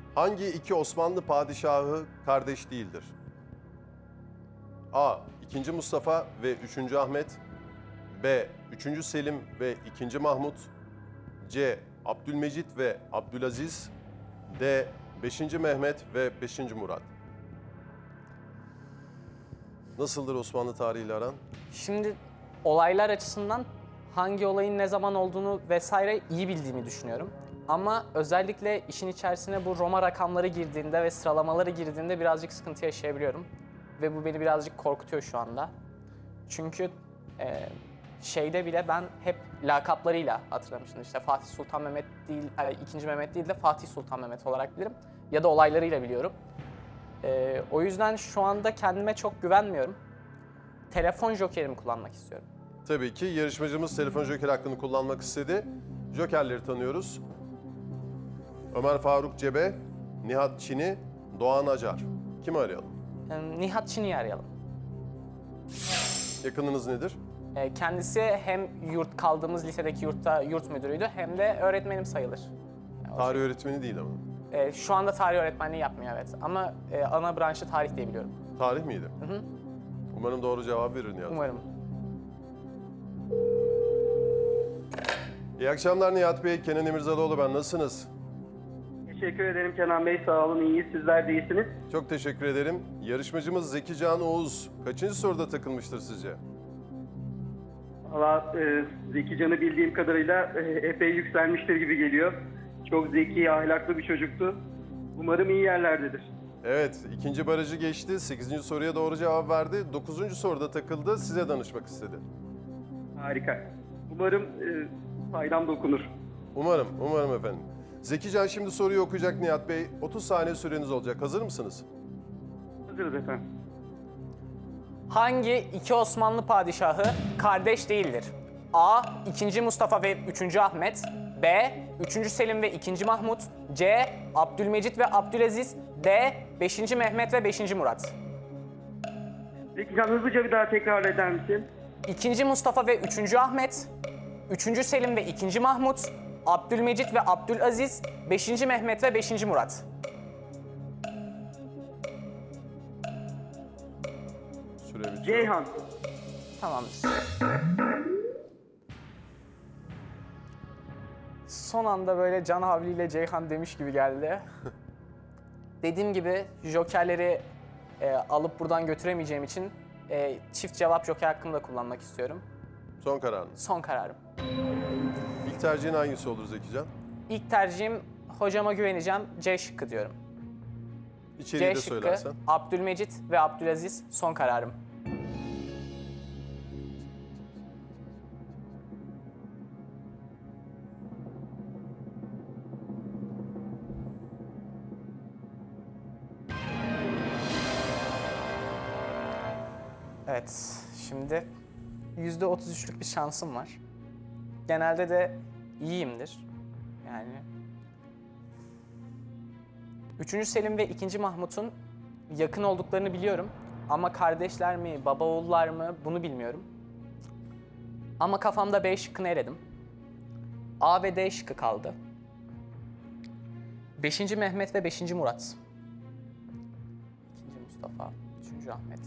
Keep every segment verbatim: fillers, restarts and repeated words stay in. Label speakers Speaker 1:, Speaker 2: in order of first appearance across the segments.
Speaker 1: Hangi iki Osmanlı padişahı kardeş değildir? A. ikinci. Mustafa ve üçüncü. Ahmet. B. üçüncü. Selim ve ikinci. Mahmut. C. Abdülmecit ve Abdülaziz. D. beşinci. Mehmet ve beşinci. Murat. Nasıldır Osmanlı tarihiyle aran?
Speaker 2: Şimdi olaylar açısından hangi olayın ne zaman olduğunu vesaire iyi bildiğimi düşünüyorum. Ama özellikle işin içerisine bu Roma rakamları girdiğinde ve sıralamaları girdiğinde birazcık sıkıntı yaşayabiliyorum. Ve bu beni birazcık korkutuyor şu anda. Çünkü e, şeyde bile ben hep lakaplarıyla hatırlamıştım. İşte Fatih Sultan Mehmet değil, e, ikinci. Mehmet değil de Fatih Sultan Mehmet olarak bilirim. Ya da olaylarıyla biliyorum. E, o yüzden şu anda kendime çok güvenmiyorum. Telefon jokerimi kullanmak istiyorum.
Speaker 1: Tabii ki yarışmacımız telefon joker hakkını kullanmak istedi. Jokerleri tanıyoruz. Ömer Faruk Cebe, Nihat Çini, Doğan Acar. Kimi arayalım?
Speaker 2: E, Nihat Çini'yi arayalım.
Speaker 1: Yakınınız nedir?
Speaker 2: E, kendisi hem yurt kaldığımız lisedeki yurtta yurt müdürüydü hem de öğretmenim sayılır. Yani o
Speaker 1: Tarih öğretmeni değil ama.
Speaker 2: şey- e, şu anda tarih öğretmenliği yapmıyor evet ama e, ana branşı tarih diye biliyorum.
Speaker 1: Tarih miydi?
Speaker 2: Hı hı.
Speaker 1: Umarım doğru cevap verir Nihat.
Speaker 2: Umarım.
Speaker 1: İyi akşamlar Nihat Bey. Kenan İmirzalıoğlu ben. Nasılsınız?
Speaker 3: Teşekkür ederim Kenan Bey. Sağ olun. İyiyiz. Sizler de iyisiniz.
Speaker 1: Çok teşekkür ederim. Yarışmacımız Zeki Can Oğuz kaçıncı soruda takılmıştır sizce?
Speaker 3: Valla e, Zeki Can'ı bildiğim kadarıyla e, epey yükselmiştir gibi geliyor. Çok zeki, ahlaklı bir çocuktu. Umarım iyi yerlerdedir.
Speaker 1: Evet, ikinci barajı geçti. Sekizinci soruya doğru cevap verdi. Dokuzuncu soruda takıldı. Size danışmak istedi.
Speaker 3: Harika. Umarım e, faydam dokunur.
Speaker 1: Umarım, umarım efendim. Zeki Can şimdi soruyu okuyacak Nihat Bey. otuz saniye süreniz olacak. Hazır mısınız?
Speaker 3: Hazırız efendim.
Speaker 2: Hangi iki Osmanlı padişahı kardeş değildir? A. ikinci. Mustafa ve üçüncü. Ahmet. B. üçüncü. Selim ve ikinci. Mahmut. C. Abdülmecit ve Abdülaziz. D. beşinci. Mehmet ve beşinci. Murat.
Speaker 3: Zeki Can hızlıca bir daha tekrar eder misin?
Speaker 2: ikinci. Mustafa ve üçüncü. Ahmet. üçüncü. Selim ve ikinci. Mahmut. Abdülmecit ve Abdülaziz. beşinci. Mehmet ve beşinci. Murat.
Speaker 1: Süre bitiyor.
Speaker 3: Ceyhan.
Speaker 2: Tamamdır. Son anda böyle can havliyle Ceyhan demiş gibi geldi. Dediğim gibi jokerleri e, alıp buradan götüremeyeceğim için e, çift cevap joker hakkımı da kullanmak istiyorum.
Speaker 1: Son kararınız.
Speaker 2: Son kararım.
Speaker 1: İlk tercihin hangisi olur Zeki Can?
Speaker 2: İlk tercihim hocama güveneceğim. C şıkkı diyorum.
Speaker 1: İçeriği
Speaker 2: C
Speaker 1: de
Speaker 2: şıkkı,
Speaker 1: söylersen.
Speaker 2: Abdülmecit ve Abdülaziz son kararım. Evet, şimdi yüzde otuz üçlük bir şansım var. Genelde de iyiyimdir. Yani üçüncü. Selim ve ikinci. Mahmut'un yakın olduklarını biliyorum. Ama kardeşler mi, baba oğullar mı bunu bilmiyorum. Ama kafamda B şıkkını eledim. A ve D şıkkı kaldı. beşinci. Mehmet ve beşinci. Murat. ikinci. Mustafa, üçüncü. Ahmet.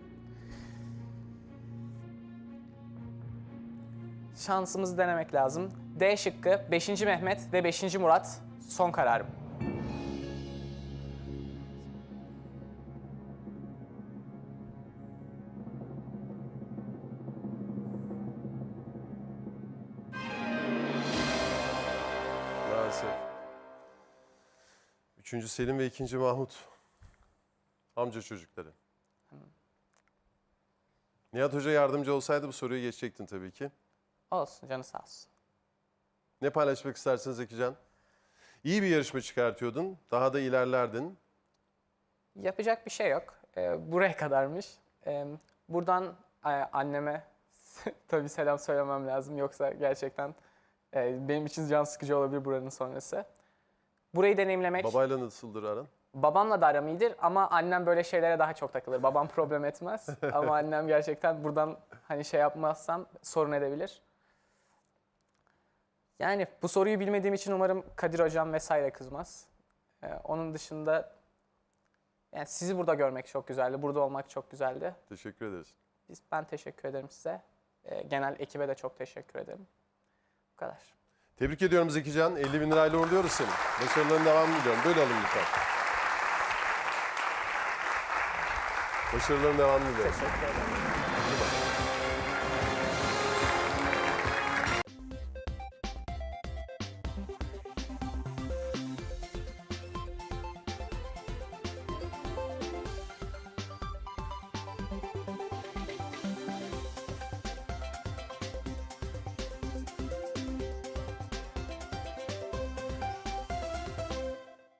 Speaker 2: Şansımızı denemek lazım. D şıkkı beşinci. Mehmet ve beşinci. Murat son kararım.
Speaker 1: Maalesef. Üçüncü Selim ve ikinci Mahmut. Amca çocukları. Nihat Hoca yardımcı olsaydı bu soruyu geçecektin tabii ki.
Speaker 2: Olsun, canı sağ olsun.
Speaker 1: Ne paylaşmak istersiniz Zeki Can? İyi bir yarışma çıkartıyordun. Daha da ilerlerdin.
Speaker 2: Yapacak bir şey yok. Ee, buraya kadarmış. Ee, buradan e, anneme tabii selam söylemem lazım. Yoksa gerçekten e, benim için can sıkıcı olabilir buranın sonrası. Burayı deneyimlemek,
Speaker 1: Babayla nasıldır aran?
Speaker 2: babamla da aram iyidir ama annem böyle şeylere daha çok takılır. Babam problem etmez ama annem gerçekten buradan hani şey yapmazsam sorun edebilir. Yani bu soruyu bilmediğim için umarım Kadir hocam vesaire kızmaz. Ee, onun dışında yani sizi burada görmek çok güzeldi. Burada olmak çok güzeldi.
Speaker 1: Teşekkür ederiz.
Speaker 2: Biz, ben teşekkür ederim size. Ee, genel ekibe de çok teşekkür ederim. Bu kadar.
Speaker 1: Tebrik ediyorum Zekican. elli bin lirayla uğurluyoruz seni. Başarıların devamını diliyorum. Böyle alın lütfen. Başarıların devamını diliyorum.
Speaker 2: Teşekkür ederim.